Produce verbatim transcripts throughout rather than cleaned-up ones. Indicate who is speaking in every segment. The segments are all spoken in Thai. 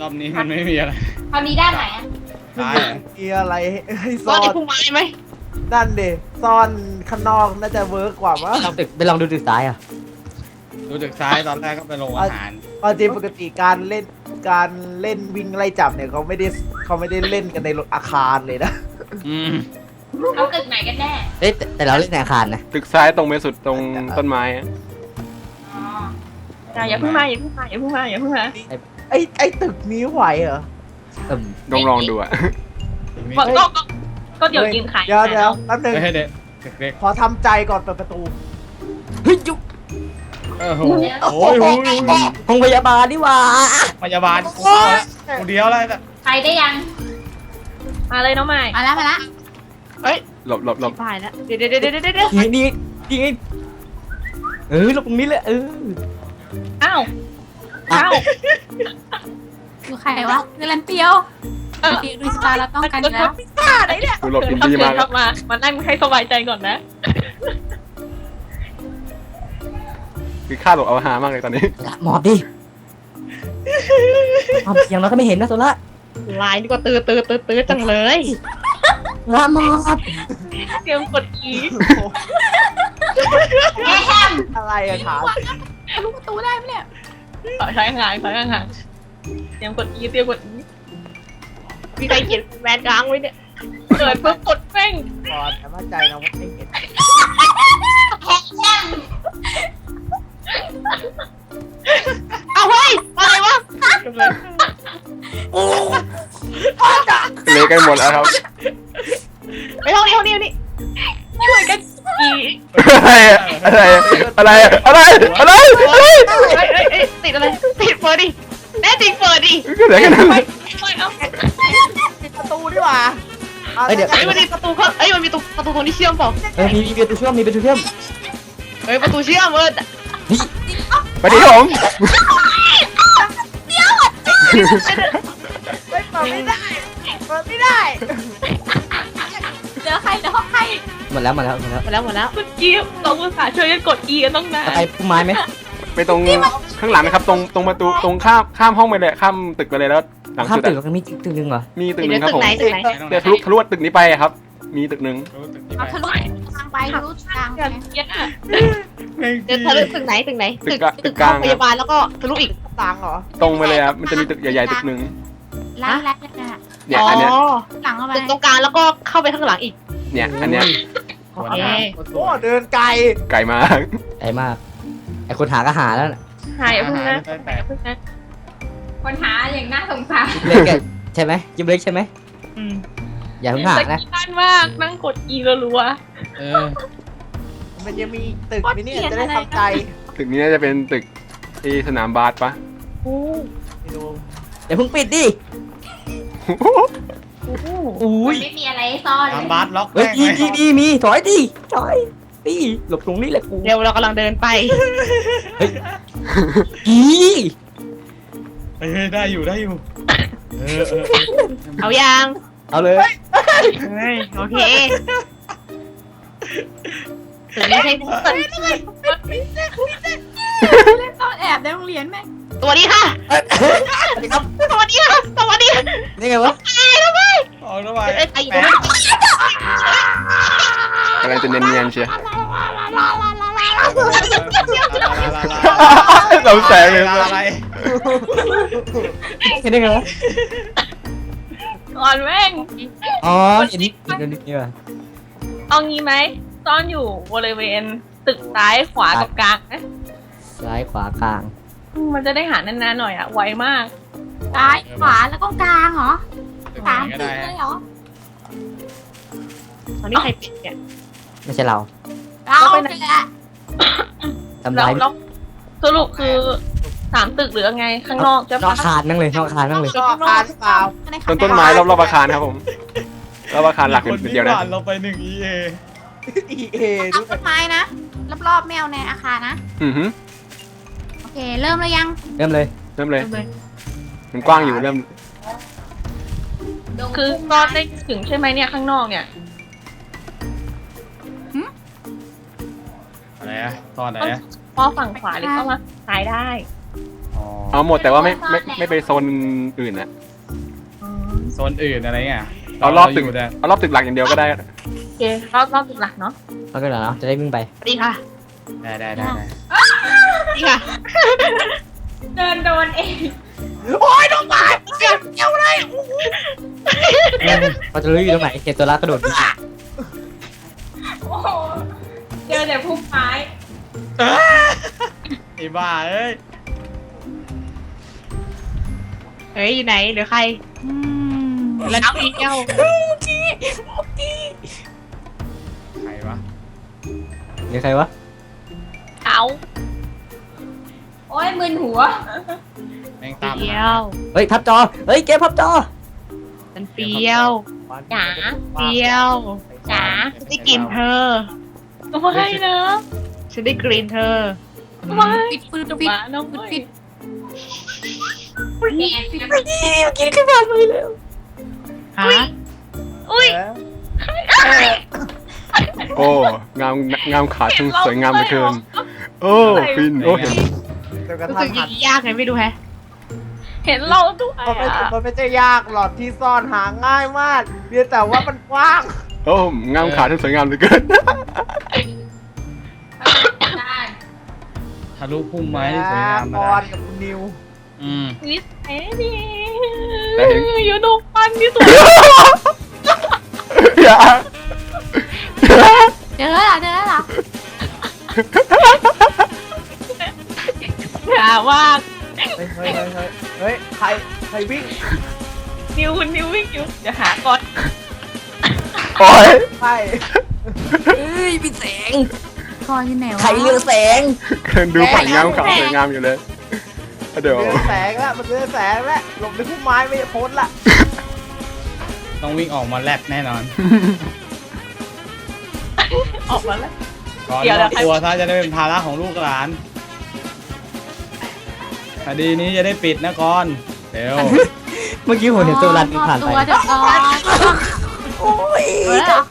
Speaker 1: รอบนี้มันไม่มีอะไร
Speaker 2: คราวนี้ด้านไหนอะ
Speaker 1: ซ้าย
Speaker 3: มีอะไรให้
Speaker 4: ซ่
Speaker 3: ซ่
Speaker 4: อ
Speaker 3: อน น
Speaker 4: ในพุ่มไม้ไหม
Speaker 3: นั่นเดซ่อนข้างนอกน่าจะเวิร์กกว่ามั้ง
Speaker 5: ลองตึกไปลองดูตึกซ้ายอ่ะ
Speaker 1: ดูจากซ้ายตอนแรกก็ไปลงอาหาร
Speaker 3: ตอนจริงปกติการเล่นการเล่นวิ่งไล่จับเนี่ยเขาไม่ได้เขาไม่ได้เล่นกันในอาคารเลยนะ
Speaker 1: อืม
Speaker 2: เอาตึกไหนกันแน่
Speaker 5: เอ้ยแต่แต่เราเล่นในอาคารนะ
Speaker 6: ตึกซ้ายตรงไปสุดตรงต้นไม้อะ
Speaker 2: อ๋อ
Speaker 4: อย่าอย่าเพิ่งมาอย่าเพิ่งมาอย่าเพิ่งมาอย่าเพิ่งมา
Speaker 3: ไอ้ไอ้ตึกนี้ไหวเหรอ
Speaker 5: เอิ่ม
Speaker 6: ลองลองดูอะ
Speaker 1: มี
Speaker 4: ก็ก็ก็ก็เดี๋ยวยืนขาย
Speaker 3: เดี๋ยวเดี๋ยวแป๊บนึง
Speaker 1: ไม่ให้เด็กเด็ก
Speaker 3: ขอทำใจก่อนเปิดประตู
Speaker 5: เฮ้ยยุ
Speaker 1: ๆเออโหโอ้ยโอ้ยโอ้ย
Speaker 5: ห้องพยาบาลนี่หว่า
Speaker 1: พยาบาลกูเอาละกูเดียวอะไรแต่
Speaker 2: ไปได้ยัง
Speaker 4: มาเลยน้องใหม่
Speaker 2: มาแล้วมาแล้ว
Speaker 4: เฮ้ย
Speaker 6: หลบหลบหลบ
Speaker 4: ผ่านแล้วเดี๋ยวเดี๋ยวเดี๋ยวเดี๋ยวเดี๋ยว
Speaker 5: นี่นี่นี่ไงเออลงตรงนี้เลยเออ
Speaker 4: อ้าวอ้าว
Speaker 7: คือใครวะคือลันเปียวลันเปียวดูสตาร์เราต้องกันอยู่แล้ว
Speaker 4: พิซซ่าไหนเนี่ย
Speaker 6: กูหลบอินดี้มาก
Speaker 4: ครับมามานั่งให้สบายใจก่อนนะ
Speaker 6: คือค่าหลบเอาหามากเลยตอนนี้
Speaker 5: หมอบดิหมอบอย่างเราก็ไม่เห็นนะโซล่า
Speaker 4: ลายนี่ก็ตื้อตื้อตื้อตื้อจังเลย
Speaker 5: ละหมอบ
Speaker 4: เตรียมกดอี
Speaker 3: อะไรอะถาม
Speaker 7: ทะลุประตูได้ไหมเนี่ย
Speaker 4: ถอยถอยห่างถอยห่างเตรียมกดอีเตรียมกดอีมีใครเขียนแมนกลางไว้เนี่ยเกิดเพิ่งกดแม่ง
Speaker 3: ก่อนแต่มั่นใจนะว่าไม่เห็น
Speaker 4: เอาเฮ้ยอะไรวะ
Speaker 6: เละกันหมดแล้วครับ
Speaker 4: ไปเท่านี้เท่านี้นี่ช่วยกันอี
Speaker 6: อะไรอะอะไรอะอะไรอะไรอะไรอะไร
Speaker 4: เอ้ยเอ้ยเอ้ยติดอะไรติดเปิดดิแน่จริงเปิดดิ
Speaker 6: ก็เหลือแค่นั้น
Speaker 4: ไป
Speaker 6: เลย
Speaker 4: ไปเอา
Speaker 3: ปิดประตูดีกว่า
Speaker 5: เอ้ยเดี๋ยว
Speaker 4: เอ้ยมันมีประตูเขาเอ้ยมันมีประตูประตูตรงนี้เชื่อมเปล่า
Speaker 5: เออมีมีประตูเชื่อมมีประตูเชื่อม
Speaker 4: เอ้ยประตูเชื่อมเออ
Speaker 6: ไปดิครับผม
Speaker 3: ไม่เปิดไม่ได้เปิดไม่ได้
Speaker 7: เจอใครเจอห้องใคร
Speaker 5: หมดแล้วหมดแล้วหมดแล้ว
Speaker 4: หมดแล้วหมดแล้วเมื่อกี้เราอุตส่าห์ช่วยกันกด E กันต้องนาน
Speaker 5: จะไปพุ่มไม้ไหม
Speaker 6: ไปตรงข้างหลังนะครับ ตรงตรงประตูตรงข้ามข้ามห้องไปเลยข้ามตึกไปเลยแล้วหลัง
Speaker 5: ข้าม
Speaker 6: สุด
Speaker 5: ตึก
Speaker 6: อะ
Speaker 5: แล้วก็มีตึกหนึงเหรอ
Speaker 6: มีตึกห
Speaker 4: เดี๋
Speaker 6: นึ่
Speaker 4: ยว
Speaker 6: งครับ
Speaker 4: ตึก
Speaker 6: ผม
Speaker 4: ไหนตึกไหน
Speaker 6: เดี๋ยวทะลุทะลุตึกนี้ไปอะครับ มีตึกหนึ่ง
Speaker 1: รู้ตึกนี้
Speaker 7: เอา
Speaker 1: ไป
Speaker 7: ทะลุทางไปทะลุทางไป
Speaker 4: กันเย็นอ่ะ
Speaker 1: แม่ง
Speaker 4: เดี๋ยวทะลุตึกไหนตึกไหน
Speaker 6: ตึ
Speaker 4: ตึ
Speaker 6: ก
Speaker 4: ก
Speaker 6: กะ
Speaker 4: ตึ
Speaker 6: ตึ
Speaker 4: ก
Speaker 6: กกลาง
Speaker 4: พ
Speaker 6: ครับ
Speaker 4: ยาบาลแล้วก็ทะลุอีก
Speaker 3: ตังเหรอ
Speaker 6: ตรงไปเลยครับมันจะมีตึกใหญ่ๆตึกหนึ่ง
Speaker 7: ร้านแรกเลยนะ
Speaker 6: เนี่ย
Speaker 4: อ๋อ
Speaker 6: อันเนี้ย
Speaker 7: หลังเข้าไป
Speaker 4: ตึกตรงกลางแล้วก็เข้าไปข้างหลังอีก
Speaker 6: เนี่ยอันเนี้ย
Speaker 4: โอเค
Speaker 3: โอ้เดินไกล
Speaker 6: ไกลมาก
Speaker 5: ไกลมากไอคนหาก็หาแล้วน่ะ
Speaker 4: หายอย่าเพิ่งนะ
Speaker 1: แต่
Speaker 4: อย่าเพิ่งนะ
Speaker 2: คนหาอย่างน่าสงสาร
Speaker 5: จิบเล็กอะใช่ไหมจิบเล็กใช่ไหม
Speaker 4: อืม
Speaker 5: อย่าเพิ่งหานะ
Speaker 4: แต่บ้านมากนั่งกด E รัว
Speaker 1: เออ
Speaker 3: มันจะมีตึกมินี่จะได้ทำใจ
Speaker 6: ตึกนี้น่าจะเป็นตึกที่สนามบาสปะ
Speaker 4: ๆโอ้
Speaker 3: ไม่รู้
Speaker 5: อย่าเพิ่งปิดดิ
Speaker 4: โห
Speaker 5: อุ้
Speaker 2: มัน
Speaker 5: ย
Speaker 2: ไม่มีอะไรให้ซ่อนเล
Speaker 1: ตาม
Speaker 2: ย
Speaker 1: บาสล็อก
Speaker 5: เฮ้ย
Speaker 1: แม่ง
Speaker 5: ดี
Speaker 1: ไว้
Speaker 5: ดีดีมีถอยดิถอยดิหลบตรงนี้แหละกู
Speaker 4: เร็วเรากำลังเดินไป
Speaker 5: อี
Speaker 1: เฮ้ยได้อยู่ได้อยู่เออเออ
Speaker 4: เอายัง
Speaker 5: เอาเลย
Speaker 4: เฮ้ยโอเคตึกนี้ใช่ตึก
Speaker 7: เล่นซ่อนแอบในโรงเรียนไหม
Speaker 4: สวัสดีค่ะ
Speaker 5: สวัสดีครับ
Speaker 4: สวัสดีค่ะสวัสดี
Speaker 5: นี่ไงวะ
Speaker 1: ออกแล้วไป
Speaker 4: เอ้ยไอ้อยู่
Speaker 1: แปะ
Speaker 6: กำลังจะเนียนๆเชียวเราแสงเลย
Speaker 1: อะไร
Speaker 5: เห็นได้ไงวะ
Speaker 4: ก่อนแม่ง
Speaker 5: อ๋อเห็นนี่เห็นนี่ว่ะ
Speaker 4: เอางี้ไหมซ่อนอยู่บริเวณตึกซ้ายขวากับกลางนะ
Speaker 5: ซ้ายขวากลาง
Speaker 4: มันจะได้หานานๆหน่อยอะไวมาก
Speaker 7: ซ้ายขวาแล้วก็กลางเหรอ
Speaker 1: ตึก
Speaker 7: สาม
Speaker 1: ไหนก็
Speaker 7: ตึ
Speaker 1: ได้
Speaker 7: กเลยเหรอ
Speaker 4: ตอนนี้ใครปิดเนี่ย
Speaker 5: ไม่ใช่เรา
Speaker 7: เรา
Speaker 4: เราไปไหน
Speaker 7: แหละ
Speaker 5: ทำ
Speaker 4: เรา
Speaker 5: ร้าย
Speaker 4: เราสรุปคือสามตึกหรือไงข้างนอกจะ
Speaker 5: นอกอาคารนั่งเลยนอกอาคารนั่งเลย
Speaker 3: ก็อาคารเปล่า
Speaker 6: ต้นต้นไม้รอบๆอาคารครับผมรอบอาคารหลักเป็นเดียวนะ
Speaker 1: เราไปหนึ่ง อี เอ
Speaker 3: อีเอ
Speaker 7: ตั
Speaker 3: ด้
Speaker 7: ด
Speaker 3: วย
Speaker 7: ต้นไม้นะรอบๆแมวในอาคารนะ
Speaker 6: อือหือ
Speaker 7: โอเค เริ่มแล้วยัง
Speaker 5: เริ่มเลย
Speaker 6: เริ่มเลย มันกว้างอยู่เริ่ม
Speaker 4: คือซ่อนได้ถึงใช่ไหมเนี่ยข้างนอกเนี่ย
Speaker 1: อะไรอะตอนไหนอะ
Speaker 4: พอฝั่งขวาหรือเข้ามาซ้ายได้
Speaker 1: อ๋อ
Speaker 6: เอาหมดแต่ว่าไม่ไม่ไม่ไปโซนอื่นอะ
Speaker 1: โซนอื่นอะไรเงี้ย
Speaker 6: เอารอบตึก
Speaker 1: ยู่แต่
Speaker 6: เอารอบตึกหลักอย่างเดียวก็ได้
Speaker 4: โอเครอบรอบตึกหลักเนาะ
Speaker 5: เอาไปเหรอจะได้วิ่งไป
Speaker 4: สวัสดีค่ะ
Speaker 1: ได้ได้ได้ได้
Speaker 4: สวัสดีค่ะ
Speaker 2: เดินโดนเอง
Speaker 3: โอ้ยน้องหมาเกี่ยวเกี่ยวเลย
Speaker 5: เราจะรู้อยู่ตรงไหนเห็นตัวละกระโดดวิ่ง
Speaker 2: โอ้โหเจอแต่พุ่มไม้
Speaker 1: ไอ้บ้าเอ้ย
Speaker 4: เฮ้ยอยู่ไหนเหลือใคร
Speaker 7: อืม
Speaker 4: แล้วพี่เจ้า
Speaker 1: ใครวะ
Speaker 5: เดี๋ยวใครวะ
Speaker 4: เอา
Speaker 2: โอ้ยมึนหัว
Speaker 1: แม่งตาม
Speaker 4: เปีย
Speaker 1: มาว
Speaker 5: เฮ้ยพับจอเฮ้ยเกมพับจอ
Speaker 4: มันเปียวจ๋าเปียวจ๋าฉันได้กลิ่นเธอไม่นะฉันได้กลิ่นเธอ
Speaker 7: ปิดปิดปิด
Speaker 4: น้อง
Speaker 7: ปิดปิด
Speaker 2: แกน
Speaker 5: กินขึ้นมาเลยแล้ว
Speaker 4: ฮะอุ้ย
Speaker 6: โอ้งามงามขาช่างสวยงามเหลือเกินโอ้ฟินโอ้เห็น
Speaker 3: จนกระ
Speaker 4: รู้
Speaker 3: ทั่
Speaker 4: สึ
Speaker 3: ง
Speaker 4: กอ
Speaker 3: หั
Speaker 4: ย่าน งนี้ยากไงไม่รู้แฮะ เห็นเราด้วย
Speaker 3: มันไม่มันไม่ใช่ยากหรอกที่ซ่อนหาง่ายมากเพียงแต่ว่ามันกว้าง
Speaker 6: โอ้งามขาช่างสวยงามเหลือเกิน
Speaker 2: ด้าน
Speaker 1: ทะลุพุ่มไม้ที่สวยงาม
Speaker 3: ป
Speaker 1: มา
Speaker 3: อน
Speaker 1: ได้
Speaker 3: กับคุณนิว
Speaker 1: อืม
Speaker 4: นิดเอ็ดี
Speaker 6: แต่เห็น
Speaker 4: อยู่ตรงปันที่สุด
Speaker 6: อย่า
Speaker 7: เจอแล้วเจอแล้ว
Speaker 4: อย่าว่า
Speaker 3: เฮ้ยเฮ้ยเฮ้ยเฮ้ยเฮ้ยใครใครวิ่ง
Speaker 4: นิวคุณนิววิ่งอยู่เดี๋ยวหาก่อน
Speaker 6: โอ้ย
Speaker 3: ใคร
Speaker 5: เฮ้ยพี่แสง
Speaker 7: คออยู่ไหนวะ
Speaker 5: ใครเรืองแสง
Speaker 6: เดินดูฝั่งงามขาสวยงามอยู่เลยเดี๋ยว
Speaker 3: เรืองแสงแล้วมันเรืองแสงแล้วหลบในพุ่มไม้ไม่พ้นละ
Speaker 1: ต้องวิ่งออกมาแลบแน่นอน
Speaker 4: ออกมาแล้ว
Speaker 1: ก่อน
Speaker 4: เดี๋ยว
Speaker 1: ม
Speaker 4: เดี๋
Speaker 1: อ
Speaker 4: ยว
Speaker 1: บตัวถ้าจะได้เป็นภาระของลูกหลานคดีนี้จะได้ปิดนะก่อนเดี๋ยว
Speaker 5: เมื่อกี้ผมเห็นตัวรันวิ่งผ่านไป
Speaker 7: ตัวเดี๋ยวก่อน
Speaker 5: โอ้ย
Speaker 7: เออ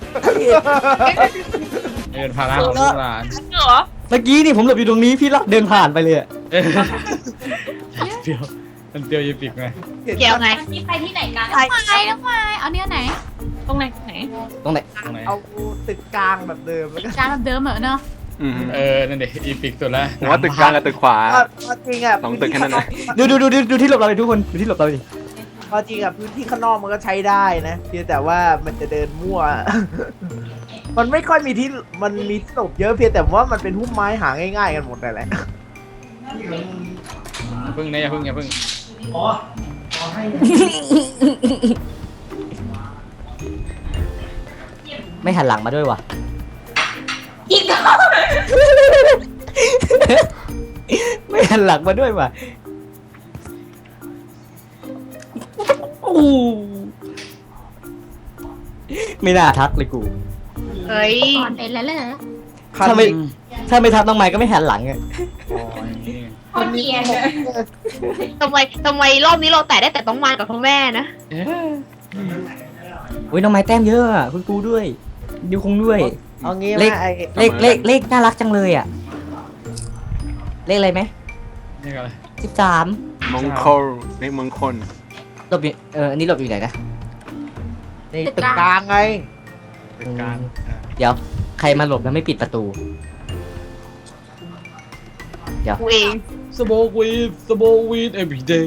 Speaker 1: เป็นภาระของลูกหลาน
Speaker 4: เหรอ
Speaker 5: เมื่อกี้นี่ผมหลบอยู่ตรงนี้พี่ลักเดินผ่านไปเลยอะ
Speaker 1: เออเปรียวมันเปรียวยิปิกไง
Speaker 4: แก้วไง
Speaker 2: วันนี้ไปที่ไหนกัน
Speaker 7: น้องไม้น้องไม้เอาเนี้ยไหน
Speaker 4: ตรงไหนไหน
Speaker 5: ตรงไหน
Speaker 1: ตรงไหน
Speaker 3: เอาตึกกลางแบบเดิมแล้วก็
Speaker 7: จานแบบเดิมเหรอเนอะ
Speaker 6: อืม
Speaker 1: เออนั่นเด็กอีปิกสุดละ
Speaker 6: ผมว่าตึกกลางกับตึกขวา
Speaker 3: ก็จริงอ่ะ
Speaker 6: สองตึกแค่นั้นนะ
Speaker 5: ดูดูดูดูดูที่หลบเราเลยทุกคนดูที่หลบเราดิ
Speaker 3: ก็จริงอ่ะพื้นที่ข้างนอกมันก็ใช้ได้นะเพียงแต่ว่ามันจะเดินมั่ว มันไม่ค่อยมีที่มันมีที่หลบเยอะเพียงแต่ว่ามันเป็นพุ่มไม้หาง่ายๆกันหมดเลยแหละ
Speaker 1: อย่าพึ่งนะอย่าพึ่งอย่าพึ่ง
Speaker 5: ไม่หันหลังมาด้วยวะ
Speaker 2: อีกแล้ว
Speaker 5: ไม่หันหลังมาด้วยวะโอ้ไม่น่าทักเลยกู
Speaker 4: เฮ้ย
Speaker 7: ก่อนเป็นแล้วเลย
Speaker 5: ถ้าไม่ถ้าไม่ทักน้องไม้ก็ไม่หันหลังอะ
Speaker 1: อ๋ออย่างนี้
Speaker 2: โคตรเกลียดเลย
Speaker 4: ทำไมทำไมรอบนี้เราแตะได้แต่ต้องมากับพ่อแม่นะ
Speaker 1: เอ๊ะ
Speaker 5: อุ้ยน้องไม้แต้มเยอะอะคุณครูด้วยดิวคงด้วย
Speaker 3: เอางี้
Speaker 5: เลข
Speaker 3: ว่าไอ้
Speaker 5: เลขเลขเลขน่ารักจังเลยอะเลขอะไรไหม
Speaker 1: นี่ก็อะไร
Speaker 5: สิบสาม
Speaker 6: มงคลเลขมงคล
Speaker 5: หลบอยู่เอออันนี้หลบอยู่ไหนนะ
Speaker 3: ในตึกกลางไง
Speaker 1: ตึกกลางอ่ะ
Speaker 5: เดี๋ยวใครมาหลบแล้วไม่ปิดประตู
Speaker 4: กูเอง
Speaker 1: สโบวีดสโบวีด every day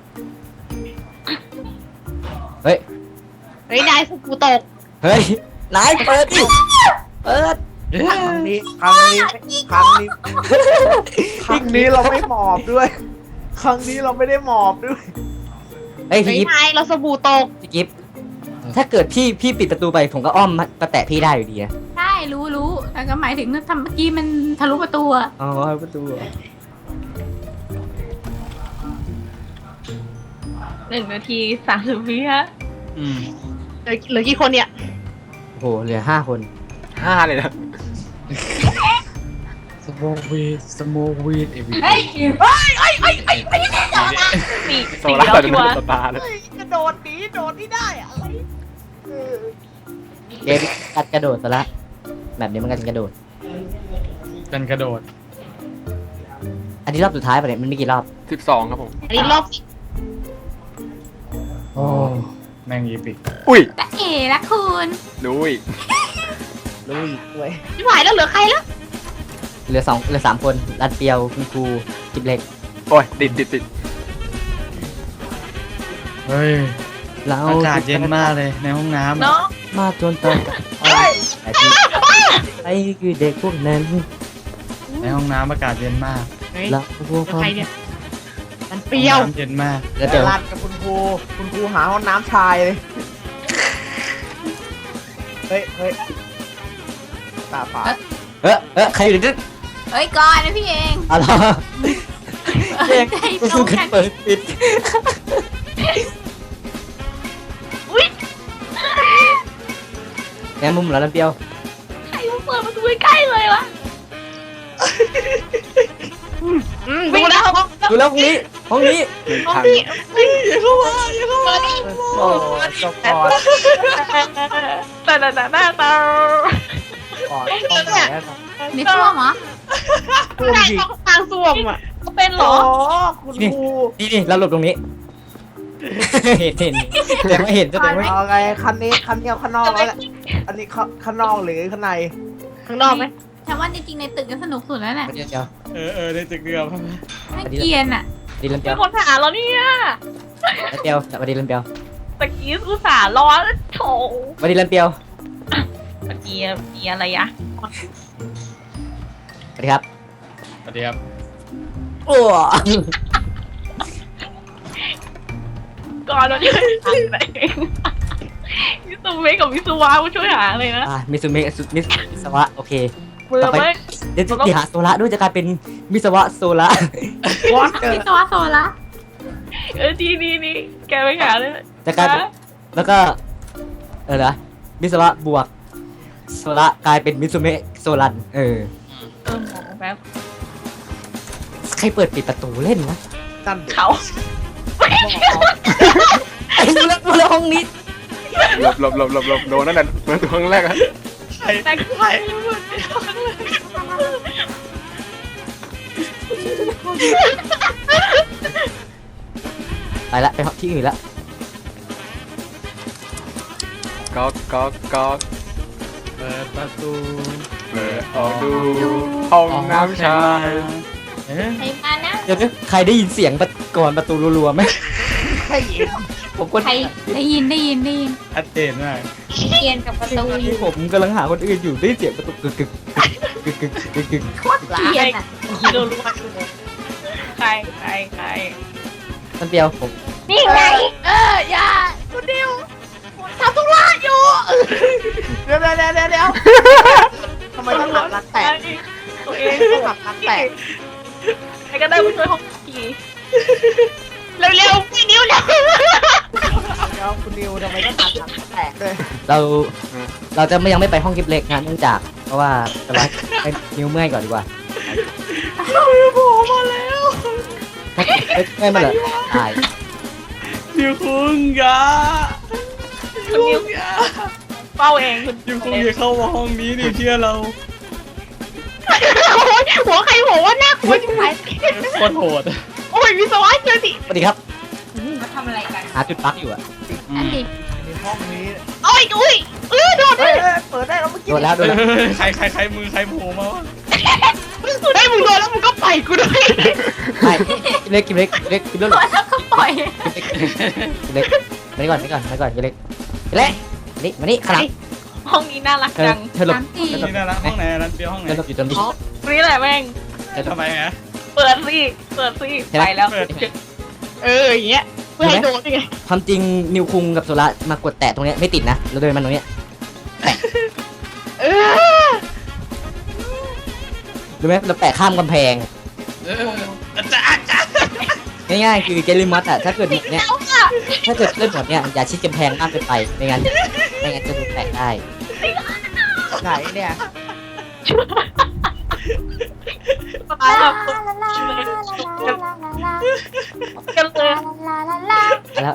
Speaker 5: เฮ้ย
Speaker 4: เฮ้ยนายสกูตก
Speaker 5: เฮ้ยนายเปิดดิเปิด
Speaker 3: ครั้งนี้ครั้งนี้ครั้งนี้ครั้งนี้เราไม่หมอบด้วย ครั้งนี้เราไม่ได้หมอบด้วย
Speaker 5: เฮ้ย
Speaker 4: เฮ้
Speaker 5: พี่
Speaker 4: ย
Speaker 5: กิฟ
Speaker 4: นายเราสบู่ตก
Speaker 5: พี่กิฟถ้าเกิดพี่พี่ปิดประตูไปผมก็อ้อมมามาแตะพี่ได้อยู่ดีนะ
Speaker 7: ใช่รู้รู้แต่ก็หมายถึงทำเมื่อกี้มันทะลุประตูอะ
Speaker 5: อ๋อประตูเหรอ
Speaker 4: หนึ่งนาทีสามสิบวิฮะ
Speaker 1: อืม
Speaker 4: เหลือเหลือกี่คนเนี่ย
Speaker 5: โอ้โหเหลือห้าคน
Speaker 6: ห้าเลยนะ
Speaker 1: สโบวีดสโบวีด every
Speaker 2: เฮ้
Speaker 1: day
Speaker 2: ย
Speaker 4: สี่
Speaker 6: โซ
Speaker 4: สี่
Speaker 6: ล่า
Speaker 4: แล้ว
Speaker 6: จะ
Speaker 4: ชั
Speaker 6: ไม่
Speaker 4: ว
Speaker 6: ได้
Speaker 4: ร์
Speaker 6: สตาร์เลย
Speaker 3: เฮ้ยกระโดดหนีโดดนี่ได้อะไรเออ
Speaker 5: เกมกัดกระโดดซะละแบบนี้มันกันกระโดด
Speaker 1: กันกระโดด
Speaker 5: อันนี้รอบสุดท้ายป่ะเนี่ยมันมีกี่รอบ
Speaker 6: สิบสองครับผม
Speaker 4: อันนี้รอบสิ
Speaker 1: โอ้แม่งอีปิก
Speaker 6: อุ้ย
Speaker 7: แต่เอ๋ละคุณ
Speaker 6: ดูอีก
Speaker 3: รู้อีกด้วย
Speaker 4: ไม่ไหวแล้วเหลือใครแล้ว
Speaker 5: เหลือสองเหลือสามคนรัดเปียวคุณครูกิบเล็ก
Speaker 6: โอ้ยติดติดติด
Speaker 1: เฮ้ย
Speaker 5: เรา
Speaker 1: อากาศเย็นมากเลยในห้องน้ำ
Speaker 4: เนาะ
Speaker 5: มาจนตอนแต่ที่ไอ้คือเด็กพวกนั้น
Speaker 1: ในห้องน้ำอากาศเย็นมาก
Speaker 4: เฮ้ย
Speaker 5: เราพวก
Speaker 4: เหลือใครเนี่ยมันเป
Speaker 1: ห้อง
Speaker 4: รี้ยว
Speaker 1: น้ำเย็นมาก
Speaker 5: แล้ว
Speaker 3: เดี๋
Speaker 5: เดี๋
Speaker 3: ย
Speaker 5: ยว ว
Speaker 3: รันกับคุณครูคุณครูหาห้องน้ำชายเลยเฮ้ยเฮ้ยตาฝาด
Speaker 5: เออเออใครอยู่ในนั้น
Speaker 7: เอ้ยก่อนนะพี่เอง
Speaker 5: อะไร
Speaker 7: เอ้ยใจตรงกัน
Speaker 5: เปิดปิด
Speaker 4: อุ้ย
Speaker 5: แง่มุมเหรอรัดเปียว
Speaker 4: ใครมาเปิดประตูใกล้ๆเลยวะอืมดูแล้วห้อง
Speaker 5: ดูแล้วห้องนี้ห้องนี้
Speaker 6: หนึ่ง
Speaker 4: ห้อง
Speaker 6: พัน
Speaker 4: นี้
Speaker 1: อย่าเข้ามาอย่าเข้ามา
Speaker 3: โอ้จบก่อน
Speaker 4: แต่แต่แต่แต่แต่
Speaker 3: ก่อนต้องไหนอะครับ
Speaker 7: ในช่วงเหรอ
Speaker 3: เพิ่ม
Speaker 4: ใช่
Speaker 3: อีก
Speaker 4: ห้องทางส้วมอ่ะก็เป็นเหร
Speaker 3: อ๋
Speaker 4: อ
Speaker 3: อคุณครู
Speaker 5: นี่นี่เราหลบตรงนี้ เห็นเห็นแต่ไม่เห็นก็แต่ไม่
Speaker 3: เอาไงคันนี้คันนี้เอาข้างนอกแล้วแหละอันนี้ข้าข้างนอกหรือข้างใน
Speaker 4: ข้างนอกไหม
Speaker 7: ฉันว่าจริงๆในตึกจะสนุกสุดแล้วแหละ
Speaker 5: เดี๋ยวเดี๋ยว
Speaker 1: เออเออในตึกเดียว
Speaker 7: ไม่เกรียนอ่ะ
Speaker 5: ดีลันเปี
Speaker 4: มี
Speaker 5: ยว
Speaker 4: คนหาเราเนี่ย
Speaker 5: รัดเปียวสวัสดีลันเปียว
Speaker 4: ตะกี้อุตส่าห์รอโถ
Speaker 5: สวัสดีลันเปียว
Speaker 4: ตะกี้มีอะไรอะ
Speaker 5: สวัสดีครับ
Speaker 1: สวัสดีครับ
Speaker 5: โอ้
Speaker 4: ก่อนเราจะหาอะไรเองมิสเมกับมิสวามาช่วยหาเลยนะ
Speaker 5: อ่ามิสุเมะสุมิสวะโอเค
Speaker 4: เบื่อไหม
Speaker 5: เดี๋ยวจะหาโซละด้วยจะกลายเป็นมิสวะโซละ
Speaker 3: วอตเจอ
Speaker 7: วิศวะโซละ
Speaker 4: เออดีดีดีแกไปหาเลย
Speaker 5: จะกลายเป็นแล้วก็เออเหรอมิสวะบวกโซละกลายเป็นมิสุเมะโซลันเออ
Speaker 4: เออหมอแป๊บ
Speaker 5: ใครเปิดปิดประตูเล่นวะ
Speaker 3: นั่นเด็ก
Speaker 4: เขา
Speaker 5: ไอ้ดูแล้วดูแล้วห้องนี้
Speaker 6: หลบหลบหลบหลบหลบโดนนั่นแหละเปิดตัวครั้งแรกอะ
Speaker 1: ใคร
Speaker 4: แต่ใคร
Speaker 5: ไปละไปที่อื่นละ
Speaker 6: ก๊อกก๊อกก๊อก
Speaker 1: เปิดประตู
Speaker 6: เปิดออกดูห้องน้ำชาย
Speaker 1: เอ๊ะ
Speaker 7: ใครมานะ
Speaker 5: เดี๋ยวนะใครได้ยินเสียงประก่อนประตูรัวๆไหม
Speaker 3: ใครอีก
Speaker 5: ผมคน
Speaker 7: ใครได้ยินได้ยินได้ยิน
Speaker 1: ชัดเจนมาก
Speaker 7: เกรียนกับประตูอยู่
Speaker 5: ผมกำลังหาคนอื่นอยู่ได้เสียงประตูกึกกึกกึกกึกกึกกึก
Speaker 7: เกรียนอ่ะ
Speaker 4: โดนรู้ว่าใครใครใคร
Speaker 5: ท่านเปียวผม
Speaker 4: นี่ไง
Speaker 7: เอออย่า
Speaker 4: คุณดิวทำทุกอย่างอยู่
Speaker 3: เดี๋ยวเดี๋ยวเดี๋ยวเดี๋ยวทำไมต้องหักรักแตก
Speaker 4: ตัวเอง
Speaker 3: ต้องหักรักแตก
Speaker 4: ใครก็ได้มาช่วยห้องผีเร็วๆพี่นิ้วเร็ว
Speaker 3: เดี๋ยวคุณนิวทำไมต้องหักรักแตกด้วย
Speaker 5: เราเราจะไม่ยังไม่ไปห้องกิฟเล็กนะเนื่องจาก เพราะว่าจะไว้ให้นิ้วเมื่อยก่อนดีกว่า
Speaker 1: โผล่มาแล้ว
Speaker 5: ถ้าเมื่อยมาเหรอตาย
Speaker 1: ดิวคุงอยา
Speaker 4: คุณนิ้วเฝ้าเองคุณ
Speaker 1: ดิวคุงอย่าเข้ามาห้องนี้ดิเชื่อเรา
Speaker 4: หัวใครหัวว่าน่ากลัวจังเลย
Speaker 1: โคตรโหด
Speaker 4: โอ้ยวิศวะเจอสิ
Speaker 5: สวัสดีครับ
Speaker 7: มาทำอะไรกัน
Speaker 5: หาจุดปลั๊กอยู่อะ
Speaker 7: อันดิ
Speaker 3: ในห้องนี้
Speaker 4: โอ้ยอุ้ยเออโดน
Speaker 3: เฮ้ยเฮ้ยเปิดได้แล้วเมื่อกี้
Speaker 5: โดนแล้วโดนแล้ว
Speaker 1: ใครใครใครมือใครโผล่มาวะ
Speaker 4: ได้มึงโดนแล้วมึงก็ไปกูด้วย
Speaker 5: ไม่กิฟเล็กกิฟเล็กกิฟเล็กกิฟเล็ก
Speaker 7: ตัวแล้วก็ปล่อย
Speaker 5: กิฟเล็กมานี่ก่อนมานี่ก่อนมานี่ก่อนกิฟเล็กกิฟเล็กมานี่มานี่ขางหนาด
Speaker 4: ห้องนี้น่ารัก
Speaker 5: เธอ
Speaker 4: จัง
Speaker 5: เธอหลบ
Speaker 7: น้ำตี
Speaker 1: นี่น่ารักห้องไหนร้านเปียวห้องไหน
Speaker 5: เธอหลบอยู่ตรงนี้
Speaker 4: อ๋อนี่แหละแม่ง
Speaker 1: ทำไมฮะ
Speaker 4: เปิดสิเปิดสิ
Speaker 5: ใช่ไหม
Speaker 4: ไปแล้ว
Speaker 1: เปิด
Speaker 4: เอออย่างเงี้ยเพื่อให้โดนไง
Speaker 5: ความจริงนิวคุงกับโซล่ามากดแตะตรงเนี้ยไม่ติดนะเราเดินมาตรงเนี้ย
Speaker 4: เออ
Speaker 5: รู้ไหมเราแปะข้ามกำแพง
Speaker 1: เอออาจารย์อาจารย์
Speaker 5: ง่ายๆคือเกลิมัสอะถ้าเกิดแบบเนี้ย
Speaker 4: แล้วค่ะ
Speaker 5: ถ้าเกิดเล่นแบบเนี้ยอย่าชิดกำแพงมากเกินไปไม่งั้นไม่งั้นจะโดนแตะได้
Speaker 3: ไหนเนี่ย
Speaker 4: ตายแบบกันเลย
Speaker 5: แล้ว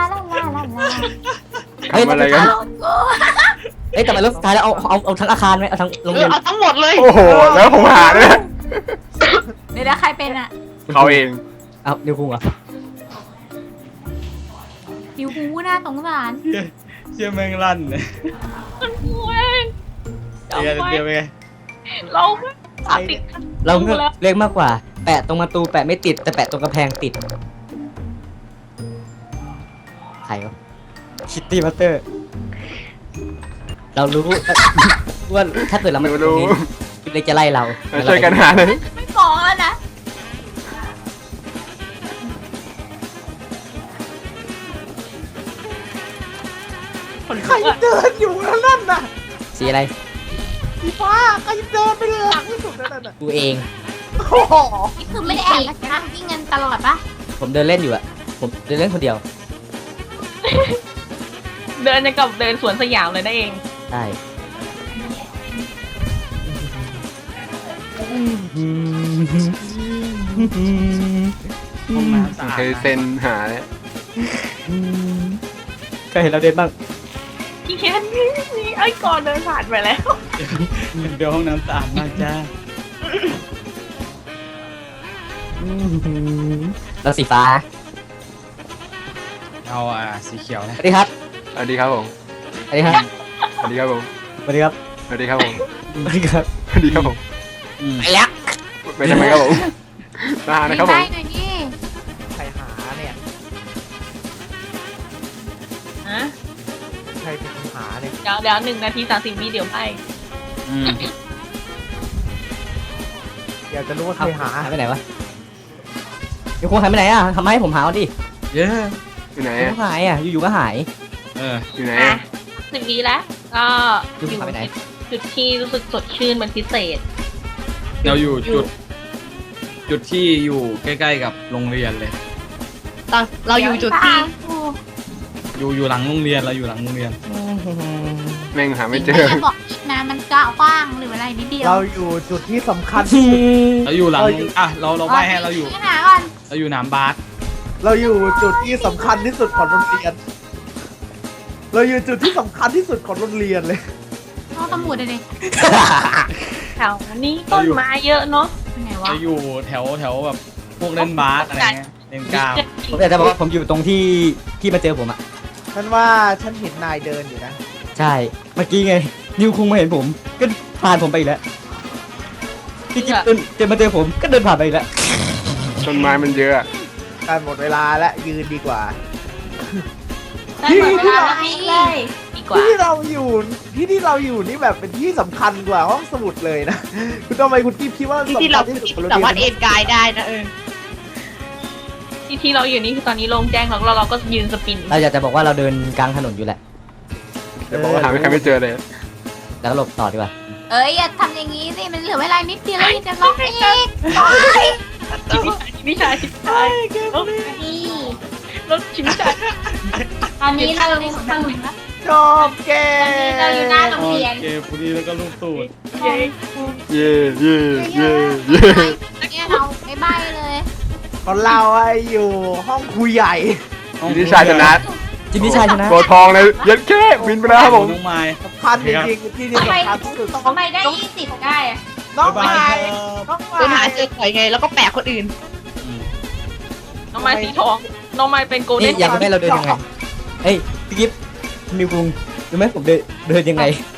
Speaker 6: ทำอะไรกัน
Speaker 5: เอ้ยแต่มารอบสุดท้ายแล้วเอาเอาเอาทั้งอาคารไหมเอาทั้งโรง
Speaker 4: เอ
Speaker 5: เรี
Speaker 4: อย
Speaker 5: น
Speaker 4: เอาทั้งหมดเลย
Speaker 6: โอ้โหแล้วผมหาด้วย
Speaker 7: ในยวแล้วใครเป็นอ่ะ
Speaker 6: เขาเอง
Speaker 5: เอานิวคุงเหรอ
Speaker 7: หิวหูน่าสงสาร
Speaker 1: เชี่ยเชี่ยแม่งลั่นเนี่ย
Speaker 4: มันกูเองจำ
Speaker 1: เดี๋ยว
Speaker 4: ไว้
Speaker 1: เดี๋ยวไปไง
Speaker 4: เราตัดติด
Speaker 5: เราเลือก
Speaker 4: แล้ว
Speaker 5: เรียกมากกว่า แปะตรงประตูแปะไม่ติดแต่แปะตรงกระแพงติดใครวะคิตตี้มาสเตอร์ เรารู้ ว่าถ้าเกิดเรามา
Speaker 6: ไม่
Speaker 5: ตรง
Speaker 6: รู้
Speaker 5: นี้คิดเล็กจะไล่เรา
Speaker 6: ช่วยกันหาเลย
Speaker 7: ไม่ฟ้องแล้วนะ
Speaker 4: คน
Speaker 3: ใคร
Speaker 4: ลุกอะ
Speaker 3: เดินอยู่นั่นน่ะ
Speaker 5: สีอะไร
Speaker 3: สีฟ้าใครเดินไปหลังที่สุดนั่นน่ะ
Speaker 5: กูเอง
Speaker 3: โอ้โห
Speaker 7: นี่คือไม่ได้แอบนะนะวิ่งเงินตลอดปะ
Speaker 5: ผมเดินเล่นอยู่อะผมเดินเล่นคนเดียว
Speaker 4: เดินอย่างกับเดินสวนสยามเลยนะเอง
Speaker 5: ใช่
Speaker 1: ห้องน้ำสะอาด
Speaker 6: เคยเซ็นหาเลย
Speaker 5: เคยเห็นเราเดินบ้าง
Speaker 4: พี่เคนนี่นี่ไอ้ก่อนเดินผ่านไปแล้ว
Speaker 1: เดี๋ยวห้องน้ำสะอาดมากจ้า
Speaker 5: เราสีฟ้า
Speaker 1: เอาอ่ะสีเขียว
Speaker 5: ส
Speaker 1: นะ
Speaker 5: วัสดีครับ
Speaker 6: สวัสดีครับผม
Speaker 5: สวัสดีครับ
Speaker 6: สวัสดีครับผม
Speaker 5: สวัสดีครับ
Speaker 6: สวัสดีครับผม
Speaker 5: สวัสดีครับ
Speaker 6: สวัสดีครับผม
Speaker 1: อืม
Speaker 5: ไปแล้ว
Speaker 6: ไปทำไมครับผมมานะครับผ
Speaker 7: ได้
Speaker 6: ม
Speaker 7: หน่อยนี่
Speaker 3: ใครหาเนี่ย
Speaker 4: ฮะ
Speaker 3: ใครเป็นคนหาเนี่ย
Speaker 4: เดี๋ยวเดี๋ยวหนึ่งนาทีสามสิบวิเดี๋ยวไป
Speaker 1: อืม
Speaker 3: อยากจะรู้ว่าใครหา
Speaker 5: หายไปไหนวะเดี๋ยวคงหายไปไหนอ่ะทำไมให้ผมหาเอาดิ
Speaker 1: เย้
Speaker 6: อยู่ไหน
Speaker 5: เดี๋ยว
Speaker 6: อะ
Speaker 5: ก็หายอ่ะ อยู่ๆก็หาย
Speaker 1: เออ
Speaker 6: อยู่ไหน
Speaker 4: อ่ะ
Speaker 6: อะ
Speaker 4: สิบวิแล้ว ก็
Speaker 5: อยู่
Speaker 4: อยู่
Speaker 5: ไปไหน
Speaker 4: จุดที่รู้สึกสดชื่นเป็นพิเศษ
Speaker 1: เราอยู่จุด จุดที่อยู่ใกล้ๆกับโรงเรียนเลย
Speaker 4: ตอนเราอยู่จุดที่
Speaker 1: อยู่อยู่หลังโรงเรียนเราอยู่หลังโรงเรียน
Speaker 6: แม่งหาไม่เจ
Speaker 7: ไม่
Speaker 6: อ
Speaker 7: ได้บอกอีกนะมันกะกว้างหรืออะไรนิดเดียว
Speaker 3: เราอยู่จุดที่สำคัญที่สุด
Speaker 1: เราอยู่หลัง
Speaker 3: เราอยู่
Speaker 1: อ่ะเราเราใบให้เราอยู่
Speaker 7: หาก่อน
Speaker 1: เราอยู่หนามบาส
Speaker 3: เราอยู่จุดที่สำคัญที่สุดของโรงเรียน เราอยู่จุดที่สำคัญที่สุดของโรงเรียนเลย
Speaker 7: ห้องสมุดเลยดิ
Speaker 4: แถวนี้ต้นไม้เยอะเนาะ
Speaker 7: เป็นไงวะ
Speaker 1: เราอยู่แถวแถวแบบพวกเล่นบาสอะไรเงี้ยเล่นกล้าม
Speaker 5: ผมอยากจะบอกว่าผมอยู่ตรงที่ที่มาเจอผมอ่ะ
Speaker 3: ฉันว่าฉันเห็นนายเดินอยู่นะ
Speaker 5: ใช่ เมื่อกี้ไง นิวคุงมาเห็นผม ก็ผ่านผมไปอีกแล้วพี่กิ๊บเดินเดินมาเจอผม ก็เดินผ่านไปอีกแล้ว
Speaker 6: ต้นไม้มันเยอะอะ
Speaker 3: การหมดเวลาและยืนดีกว่า
Speaker 7: ได้หมดเวลาแล้วนี่เลย
Speaker 4: ดีกว่า
Speaker 3: ที่เราอยู่ที่ที่เราอยู่นี่แบบเป็นที่สำคัญกว่าห้องสมุดเลยนะ คุณทำไมคุณกิ๊บคิดว่า
Speaker 4: ที่
Speaker 3: สำ
Speaker 4: ที่
Speaker 3: คั
Speaker 4: เรา
Speaker 3: ญที่สุดของโรง
Speaker 4: สามารถ
Speaker 3: เรี
Speaker 4: เอ็
Speaker 3: ยน
Speaker 4: นกายได้นะเออที่ที่เราอยู่นี่คือตอนนี้โล่งแจ้งแล้วเราเราก็ยืนสปิน
Speaker 5: เราอยากจะบอกว่าเราเดินกลางถนนอยู่แหละ
Speaker 6: แต่บอกว่าหาไม่ใครไม่เจอเลย
Speaker 5: แล้วก็หลบต่อดีกว่า
Speaker 7: เอ้ยอย่าทำอย่างนี้สิมันเหลือเวลานิดเดียวแล้วจะลองอีก
Speaker 4: ชิมิชายชิมิชายชิมิชาย
Speaker 7: นี่
Speaker 4: รถชิมิชาย
Speaker 7: ตอนนี้เราในสมุดนะ
Speaker 3: ชอบแก
Speaker 7: เราอยู่หน้าโรงเรียน
Speaker 1: โอเคพอดีแล้วก็ลูกตูด
Speaker 4: เย้
Speaker 6: เย่เย่เย่เย่
Speaker 7: เนี่ยเราไม่ใบเลย
Speaker 3: ของเราอะอยู่ห้องครูใหญ่
Speaker 6: จินนี่ชายชนะ
Speaker 5: จินนี่ชายชนะ
Speaker 6: ตัวทองเลยยัดแค่บินไปแล้วครับผม
Speaker 1: น้องไม้
Speaker 3: สำคัญจริงๆที่ที่
Speaker 7: ทำไม
Speaker 3: สำคัญที่สุดต้อง
Speaker 7: ทำไมได้ยี่สิบได้อะ
Speaker 3: น้อง
Speaker 1: บ๊ายบา
Speaker 3: ไม้
Speaker 1: ยครับ
Speaker 3: น้อง
Speaker 4: เดิน
Speaker 3: ไม้
Speaker 4: หาเจอข่อยไงแล้วก็แปะคนอื่น
Speaker 1: อืม
Speaker 4: น้องไม้สีทอง น้องไม้เป็นโกลเด้
Speaker 5: นี่
Speaker 4: น
Speaker 5: อยากรู้ไหมเราเดินยังไง เฮ้ยพี่กิ๊บนิวคุงรู้ไหมผมเดินเดินยังไง